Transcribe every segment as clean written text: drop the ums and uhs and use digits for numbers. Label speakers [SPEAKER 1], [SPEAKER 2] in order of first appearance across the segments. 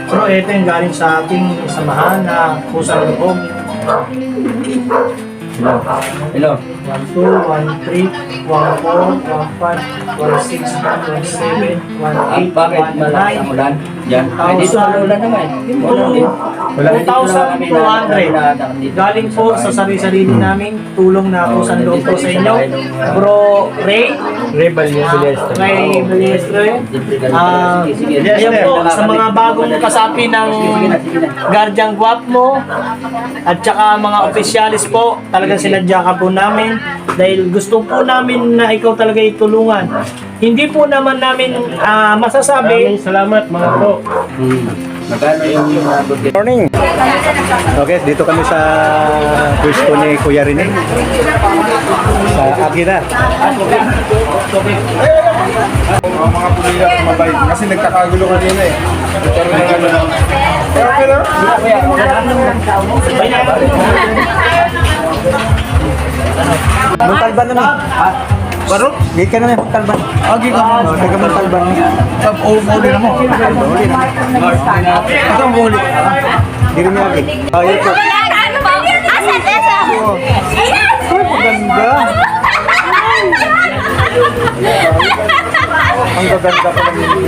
[SPEAKER 1] Pero ito yung galing sa ating samahan na pusang loob.
[SPEAKER 2] Hello.
[SPEAKER 1] 1, 2, 1, 3, 1, 4, 1, 5, 1, 6, 1, 7, 1, 8,
[SPEAKER 2] Bakit malakas ang
[SPEAKER 1] 1, 9,
[SPEAKER 2] ulan? Yan. Ay, dito wala naman. Wala
[SPEAKER 1] 2,200. Galing po sa sarili-sarili namin. Tulong na po sa loob po sa inyo. Bro Ray. Ray Balestre. Ayan po, sa mga bagong kasapi ng Guardian Guapmo at saka mga opisyalis po, talagang sinadya ka po namin dahil gusto po namin na ikaw talaga itulungan. Hindi po naman namin masasabi.
[SPEAKER 3] Salamat mga bro.
[SPEAKER 2] Magkano yung
[SPEAKER 3] Good morning. Okay, dito kami sa pwesto ni Kuya Rene. Sa Agila.
[SPEAKER 4] Mga pulilas mabait kasi nagkakagulo kanina eh. Nagkaroon ng ano lang. Okay lang.
[SPEAKER 3] Muntalban naman.
[SPEAKER 4] Baro?
[SPEAKER 3] Gay ka naman, Muntalban.
[SPEAKER 4] Agi ka mo.
[SPEAKER 3] Taga Muntalban.
[SPEAKER 4] Uli na mo. Ito ang uli.
[SPEAKER 3] Hindi rin lagi. Ayun po. Ganda. Ang gaganda pa lang yun.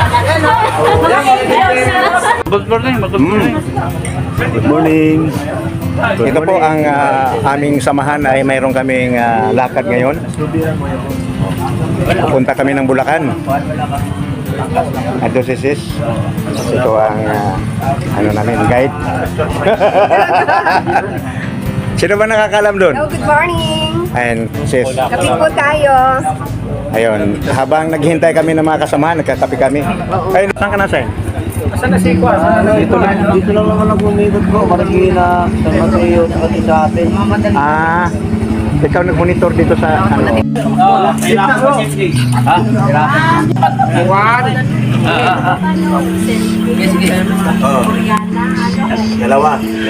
[SPEAKER 4] Good morning.
[SPEAKER 3] Good morning. Ito po ang aming samahan ay mayroon kaming lakad ngayon. Punta kami ng Bulacan. Ito si Sis. Ito ang ano namin, guide. Sino ba nakakalam doon?
[SPEAKER 5] Hello, good morning.
[SPEAKER 3] Ayan, Sis.
[SPEAKER 5] Kapi po tayo.
[SPEAKER 3] Ayun, habang naghihintay kami ng mga kasamahan, nagkakape kami. Ayun, saan ka nasa?
[SPEAKER 1] Saan na si Kwa?
[SPEAKER 2] Dito lang naman ako umibot ko. Marikina, San Mateo, sa atin.
[SPEAKER 3] Ah, ikaw nag-monitor dito sa ano?
[SPEAKER 1] Kailangan mo safety.
[SPEAKER 2] Ha?
[SPEAKER 3] Dalawa.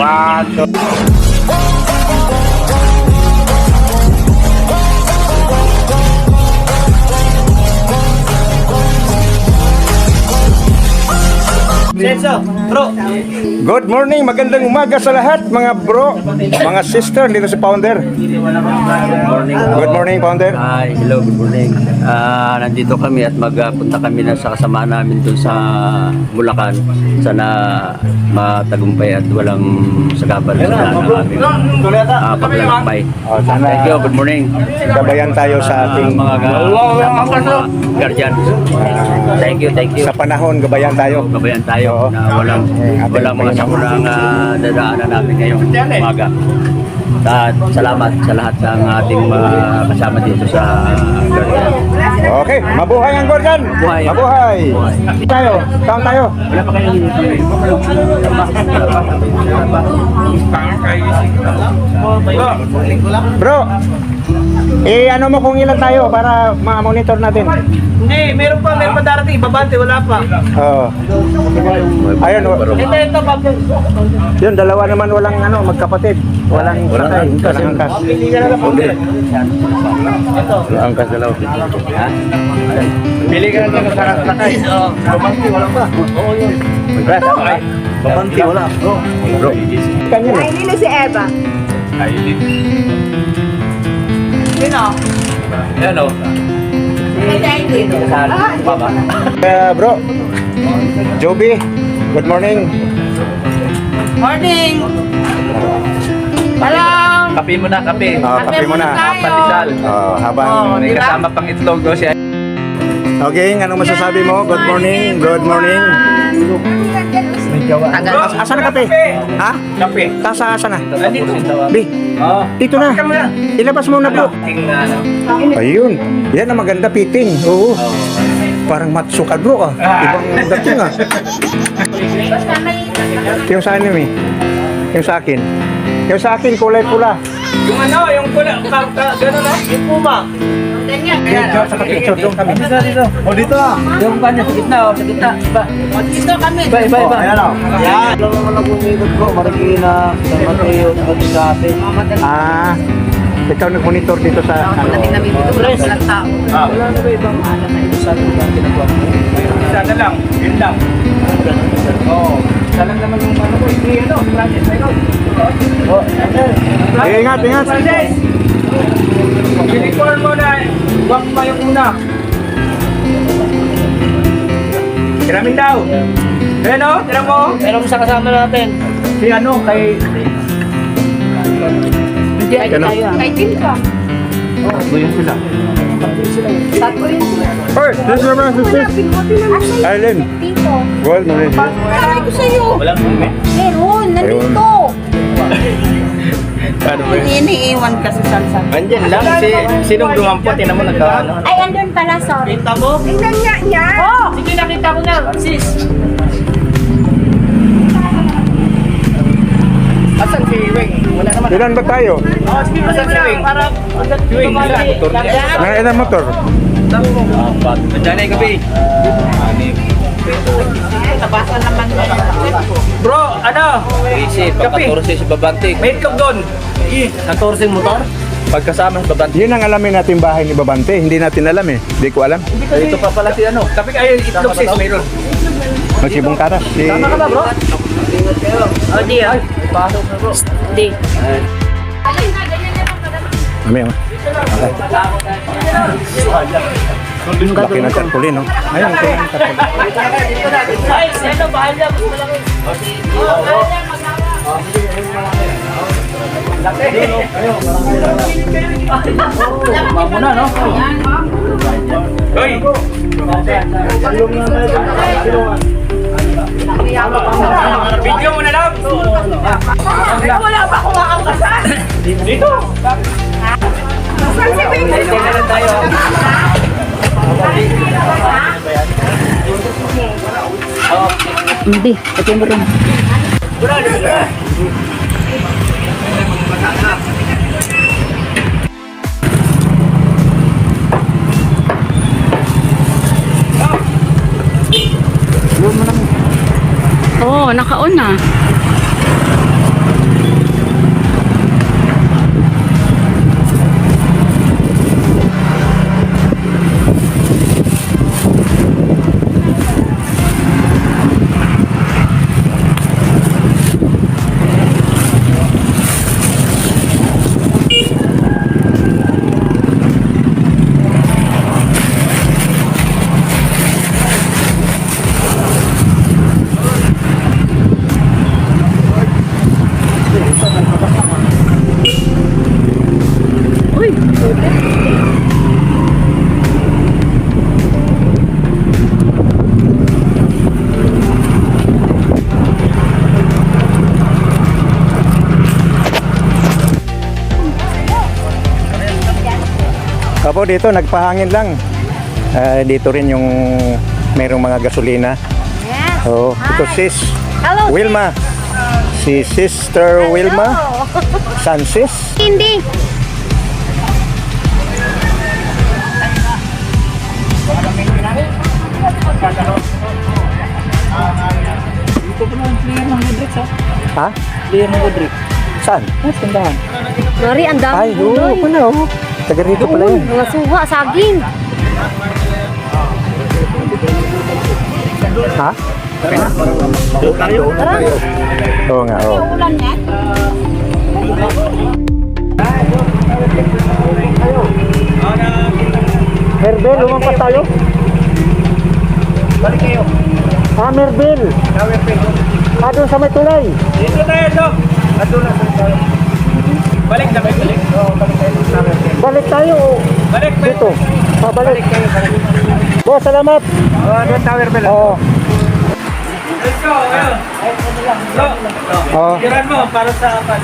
[SPEAKER 1] Senso, bro.
[SPEAKER 3] Good morning, magandang umaga sa lahat mga bro, mga sister, dito si Founder. Good morning, Founder.
[SPEAKER 2] Hi, hello, good morning. Nandito kami at magpunta kami na sa kasama namin doon sa Bulacan. Sana matagumpay at walang sagapan sa aming paglalakbay.
[SPEAKER 3] Sana
[SPEAKER 2] Thank you, good morning.
[SPEAKER 3] gabayan tayo sa ating
[SPEAKER 2] Mga guardian. Thank you.
[SPEAKER 3] sa panahon, gabayan tayo.
[SPEAKER 2] Gabayan tayo
[SPEAKER 3] Oo.
[SPEAKER 2] na walang mga sakurang dadaanan namin ngayong umaga. At salamat sa lahat ng ating mga kasama dito sa Guardian.
[SPEAKER 3] Okay, mabuhay ang Gorgan.
[SPEAKER 2] Mabuhay.
[SPEAKER 3] Mabuhay. Tayo, saan tayo?
[SPEAKER 2] Wala pa kayong
[SPEAKER 3] Bro, ano mo kung ilan tayo para ma-monitor natin?
[SPEAKER 1] Hindi, meron pa darating. Ibabante, wala pa.
[SPEAKER 3] Oo. Ayun,
[SPEAKER 1] Ito, Pablo.
[SPEAKER 3] yun, dalawa naman walang magkapatid. Walang sakay, walang angkas.
[SPEAKER 1] Pili ka na lang, Pablo. Ito.
[SPEAKER 2] angkas na lang. Ha?
[SPEAKER 4] Pili ka na sa sakay.
[SPEAKER 1] Babante, wala pa. Oo, yun.
[SPEAKER 4] Babanti, wala.
[SPEAKER 3] Bro, kanya na.
[SPEAKER 5] Ay, hindi na si Eva. Sino?
[SPEAKER 2] Yan o.
[SPEAKER 3] Bro, Joby, good morning.
[SPEAKER 5] Morning! Walang!
[SPEAKER 2] Kape mo na, kape.
[SPEAKER 3] Kape mo na.
[SPEAKER 2] Pandesal.
[SPEAKER 3] Habang
[SPEAKER 2] May kasama pang itlog o siya.
[SPEAKER 3] Okay, anong masasabi mo? Good morning. Good morning. Asa na kape? Ha?
[SPEAKER 1] Kape.
[SPEAKER 3] Asa na?
[SPEAKER 2] Nandito.
[SPEAKER 3] Bi,
[SPEAKER 2] Oo.
[SPEAKER 3] dito na. Ilabas mo na po. Ayun. Yan ang maganda, piting. Oo. Parang matsuka bro ah. Ibang dating ah. Yung sa akin eh. Yung sa akin. Yung sa akin kulay pula.
[SPEAKER 1] Yung yung pula, gano'n na, yung puma.
[SPEAKER 3] Sa picture doon kami.
[SPEAKER 4] O dito ah.
[SPEAKER 2] Yung kanya sa gitna o, sa gitna.
[SPEAKER 5] Dito kami.
[SPEAKER 2] Iba.
[SPEAKER 3] Ayan o.
[SPEAKER 1] Yan.
[SPEAKER 2] Lang naman ako umibot ko. Marikina, San Mateo, sa atin.
[SPEAKER 3] Ah, ikaw nag-monitor dito sa ano?
[SPEAKER 5] Namin dito, walang tao.
[SPEAKER 1] Wala na ba ibang sana lang, yun lang. Oo.
[SPEAKER 4] lang naman yung ano ko. Hindi, ano, Francis, mayroon.
[SPEAKER 3] Ingat, ingat.
[SPEAKER 4] Francis! Uniform mo na, wag mo yung una. Tiramin daw. Ayan o, tiram mo.
[SPEAKER 1] Pero sa kasama natin.
[SPEAKER 4] Si ano, kay...
[SPEAKER 5] Hindi, ay
[SPEAKER 3] Ano?
[SPEAKER 5] tayo. Kay Tim ka.
[SPEAKER 4] Tatlo yun sila.
[SPEAKER 5] Tatlo yun sila.
[SPEAKER 3] Hoy, this is my sister.
[SPEAKER 5] Pinuti na lang.
[SPEAKER 3] Arlen.
[SPEAKER 5] Tito.
[SPEAKER 3] Gold mo rin.
[SPEAKER 5] Sabi ko sa'yo.
[SPEAKER 1] Walang mumi.
[SPEAKER 5] Meron, nandito.
[SPEAKER 2] Ano ba yun?
[SPEAKER 5] Iniiwan kasi sa
[SPEAKER 2] Andyan lang. Sinong dumampot? Tinan mo nagkaano.
[SPEAKER 5] Ay, andun pala, sorry.
[SPEAKER 1] Kita mo?
[SPEAKER 5] Tingnan niya niya. Oh!
[SPEAKER 1] Sige, nakita ko na. Sis.
[SPEAKER 4] Asan si Weng? Wala naman.
[SPEAKER 3] Ilan ba tayo?
[SPEAKER 1] Oh, sige mo
[SPEAKER 4] Asan si Wing?
[SPEAKER 1] para
[SPEAKER 4] Wing, motor niya.
[SPEAKER 3] Mga ilang motor?
[SPEAKER 2] Andyan na yung gabi.
[SPEAKER 5] Nabasa naman niya.
[SPEAKER 4] Bro, ano?
[SPEAKER 2] Easy, pagka-14 si Babantik.
[SPEAKER 4] May itlog doon.
[SPEAKER 1] 14 motor?
[SPEAKER 2] Pagkasama si Babantik.
[SPEAKER 3] Yun ang alamin natin bahay ni Babante. Hindi natin alam eh. Hindi ko alam.
[SPEAKER 2] Dito pa pala si ano.
[SPEAKER 4] Tapi ay itlog sis, mayroon.
[SPEAKER 3] Magsibong karas. Si...
[SPEAKER 4] Tama ka ba, bro?
[SPEAKER 1] Oh, di ah. Di.
[SPEAKER 3] Mamaya, ma. Laki ng tarpaulin, no? Ayun, ito yung tarpaulin.
[SPEAKER 1] Ay, ano, bahal niya. Mas malaki.
[SPEAKER 4] Mamuna, no? Hoy! Video mo na lang!
[SPEAKER 5] Wala pa akong makakasan.
[SPEAKER 4] Dito!
[SPEAKER 5] Saan si Wing? Hindi, pati mo rin. Oo, naka-on na.
[SPEAKER 3] Apo, dito, nagpahangin lang. Dito rin yung merong mga gasolina.
[SPEAKER 5] Yes.
[SPEAKER 3] Oo. Ito sis.
[SPEAKER 5] Hello,
[SPEAKER 3] Wilma. Si Sister Wilma. San sis?
[SPEAKER 5] Hindi.
[SPEAKER 3] Ha?
[SPEAKER 1] Clear mo, Rodrick.
[SPEAKER 3] Saan?
[SPEAKER 5] Mari, ang dami.
[SPEAKER 3] Ay, oo, pala, oo. Taga rito pala yun.
[SPEAKER 5] Mga suha, saging.
[SPEAKER 3] Ha? Oo nga, oo.
[SPEAKER 5] Ulan niya.
[SPEAKER 3] Merbel, lumampas tayo.
[SPEAKER 4] Balik kayo.
[SPEAKER 3] Merbel. Doon sa may tulay.
[SPEAKER 4] Dito tayo, Dok. Ato na tayo. Balik na, balik. Oo, balik tayo.
[SPEAKER 3] Balik tayo.
[SPEAKER 4] Balik,
[SPEAKER 3] Dito. Pabalik.
[SPEAKER 4] kayo, balik.
[SPEAKER 3] Boss, salamat.
[SPEAKER 4] Doon tower bell.
[SPEAKER 3] Oo.
[SPEAKER 4] Let's go, ayun. Dok,
[SPEAKER 3] Oo.
[SPEAKER 4] tiran mo para sa apat.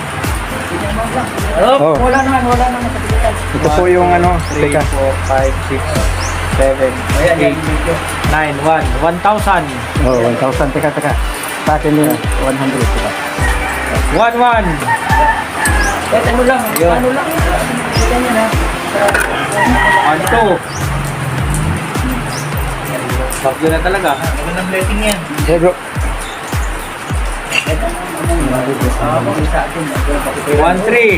[SPEAKER 3] Oo.
[SPEAKER 4] Wala naman sa pagkikitan.
[SPEAKER 3] Ito po yung ano. Teka.
[SPEAKER 4] 5, 6, 7, 8, 9, 1,000.
[SPEAKER 3] Oh, 1,000. Teka. Sa akin yun. 100. Teka.
[SPEAKER 4] 1. Ano lang, ano lang. 1, 2. Bagyo na talaga. Ano ng blessing yan?
[SPEAKER 3] Hey, bro.
[SPEAKER 4] 1, 3.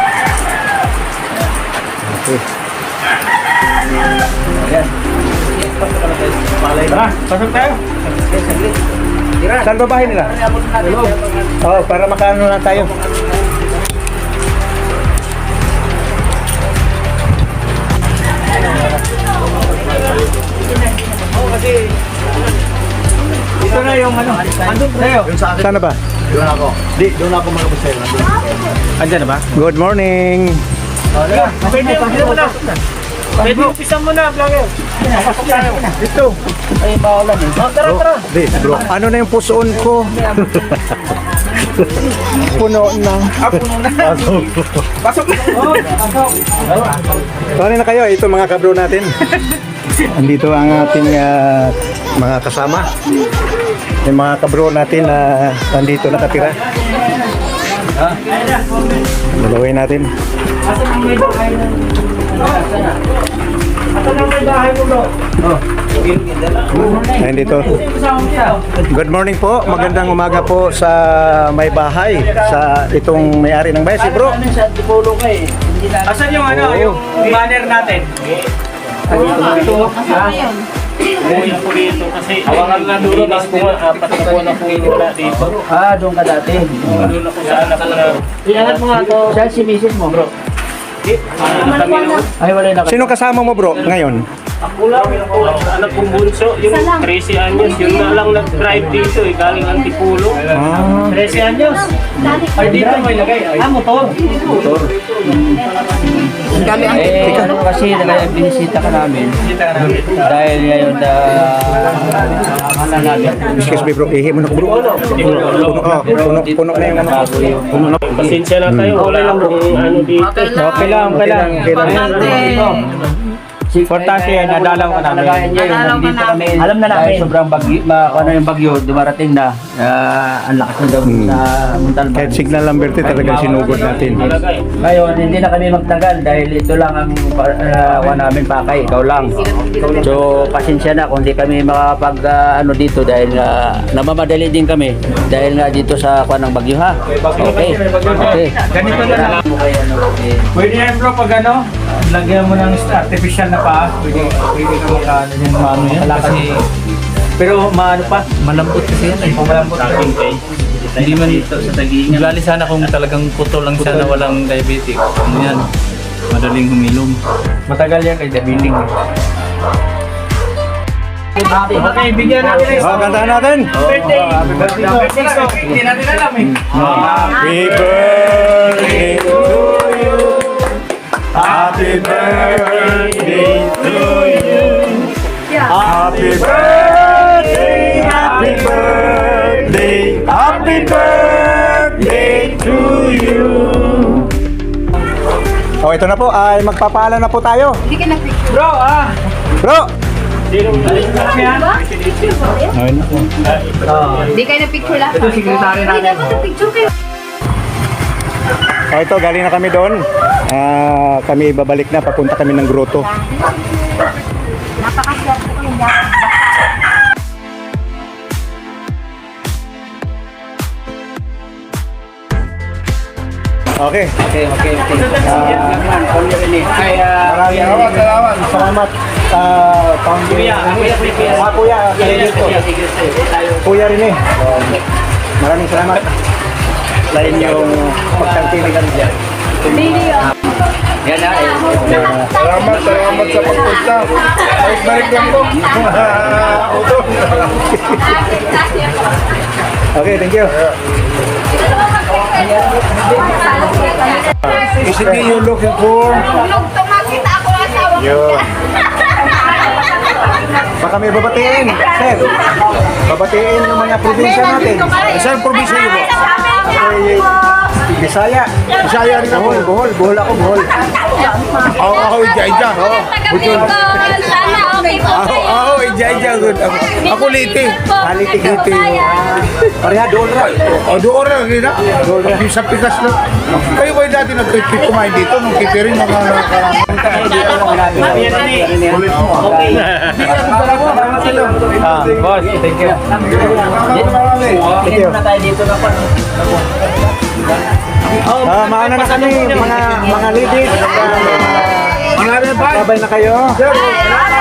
[SPEAKER 3] Okay.
[SPEAKER 1] Tara, pasok tayo.
[SPEAKER 3] Saan ba bahay nila? Oo, para makaano na tayo.
[SPEAKER 1] Ito na yung ano. Andun tayo.
[SPEAKER 3] Saan na ba?
[SPEAKER 4] Doon ako mga basero.
[SPEAKER 3] Andyan na ba? Good morning.
[SPEAKER 1] Pwede, pwede mo na. Pwede, umpisa mo na, vlogger. Pasok tayo. Dito. Ay, bawalan eh. Tara, tara.
[SPEAKER 3] Di, bro. Ano na yung pusoon ko? Puno na.
[SPEAKER 4] Pasok!
[SPEAKER 3] Sorry na kayo, ito mga kabro natin. Andito ang ating mga kasama. Yung mga kabro natin na nandito nakatira. Dalawin natin.
[SPEAKER 1] Asan ang may bahay mo? Asan ang may bahay mo, bro?
[SPEAKER 3] Ayun dito. Good morning po. Magandang umaga po sa may bahay. Sa itong may-ari ng bahay, si bro.
[SPEAKER 1] Asan yung ano, yung banner natin? Ito. Umuwi ako dito kasi awangan na dulo na po apat na po na po wala dito.
[SPEAKER 2] Ah, doon ka dati.
[SPEAKER 1] Doon ako sa anak ko na. Iangat mo nga to.
[SPEAKER 2] Siya si misis mo, bro. Ay, wala na.
[SPEAKER 3] Sino kasama mo bro ngayon?
[SPEAKER 1] Ako lang po, anak kong bunso, yung 13 anyos, yun na lang nag-drive dito eh, galing Antipulo. 13 anyos? Ay, dito may lagay. Motor. Motor.
[SPEAKER 2] Ano kasi binisita ka namin. Dahil ngayon
[SPEAKER 3] Excuse me bro, ihi mo na ko, bro. Puno na yung ano. Puno na.
[SPEAKER 1] Pasensya na tayo, wala lang kung ano dito.
[SPEAKER 3] Okay lang.
[SPEAKER 2] Importante yan, nadalaw ka namin.
[SPEAKER 1] Alam na namin.
[SPEAKER 2] Dahil sobrang bagyo, ano yung bagyo, dumarating na. Ang lakas na daw sa Montalban.
[SPEAKER 3] Kahit signal number 10 talagang sinugod natin.
[SPEAKER 2] Ngayon, hindi na kami magtagal dahil ito lang ang namin pakay, ikaw lang. So, pasensya na kung hindi kami makapag ano dito dahil namamadali din kami dahil nga dito sa kuwan ng bagyo ha. Okay.
[SPEAKER 1] Ganito na lang. Pwede yan bro, pag ano, lagyan mo ng artificial na pa, pwede ka makaano yan, maano yan. Kasi, pero maano pa, malambot kasi yan. Malambot.
[SPEAKER 6] Hindi man ito sa tag-iingat. Lali sana kung talagang putol lang siya na walang diabetic. Ano yan? Madaling humilom.
[SPEAKER 1] Matagal yan kay Dabiling. Okay, bigyan natin
[SPEAKER 3] Oh, kantahan natin.
[SPEAKER 1] birthday. Happy birthday. So, hindi natin alam eh.
[SPEAKER 3] Happy birthday to you. Happy birthday to you. Happy birthday, happy birthday, happy birthday to you. Oh, ito na po, ay magpapaalam na po tayo.
[SPEAKER 1] Bro,
[SPEAKER 3] Bro!
[SPEAKER 1] Sinong yan?
[SPEAKER 5] Hindi kayo na-picture lahat.
[SPEAKER 1] Ito, secretary natin.
[SPEAKER 5] Hindi dapat na-picture kayo.
[SPEAKER 3] Oh, ito, galing na kami doon. Kami babalik na, papunta kami ng grotto.
[SPEAKER 5] Napakaswerte ko yung
[SPEAKER 3] Okay.
[SPEAKER 2] Okay.
[SPEAKER 3] Maraming salamat sa
[SPEAKER 1] Kuya,
[SPEAKER 3] Kuya, kayo dito. Kuya rin eh. Maraming salamat sa inyong pagtangkilik kami dyan.
[SPEAKER 2] Yan na
[SPEAKER 4] Salamat sa pagpunta. Balik lang po.
[SPEAKER 3] Okay, thank you.
[SPEAKER 4] Is it me you're looking for?
[SPEAKER 5] Tumakita ako ang asawa ko.
[SPEAKER 3] Yun. Baka may babatiin, sir. Babatiin yung mga probinsya natin.
[SPEAKER 4] Saan probinsya niyo po?
[SPEAKER 3] Okay, Bisaya.
[SPEAKER 4] Bisaya rin ako.
[SPEAKER 3] Bohol ako, Bohol.
[SPEAKER 4] Ako, Ija.
[SPEAKER 5] Taga-Bicol. Sana okay po kayo.
[SPEAKER 4] Ako, Ija. Ako, Liti.
[SPEAKER 3] Liti. Pareha doon ra.
[SPEAKER 4] Doon rin, gina. Sa pikas na. Kayo ba yung dati nag-kumain dito? Nung kitering mga
[SPEAKER 1] Okay.
[SPEAKER 2] boss, thank you.
[SPEAKER 3] Thank you.
[SPEAKER 2] Na tayo dito na pa.
[SPEAKER 3] Mauna na kami, mga ladies. Babay na kayo.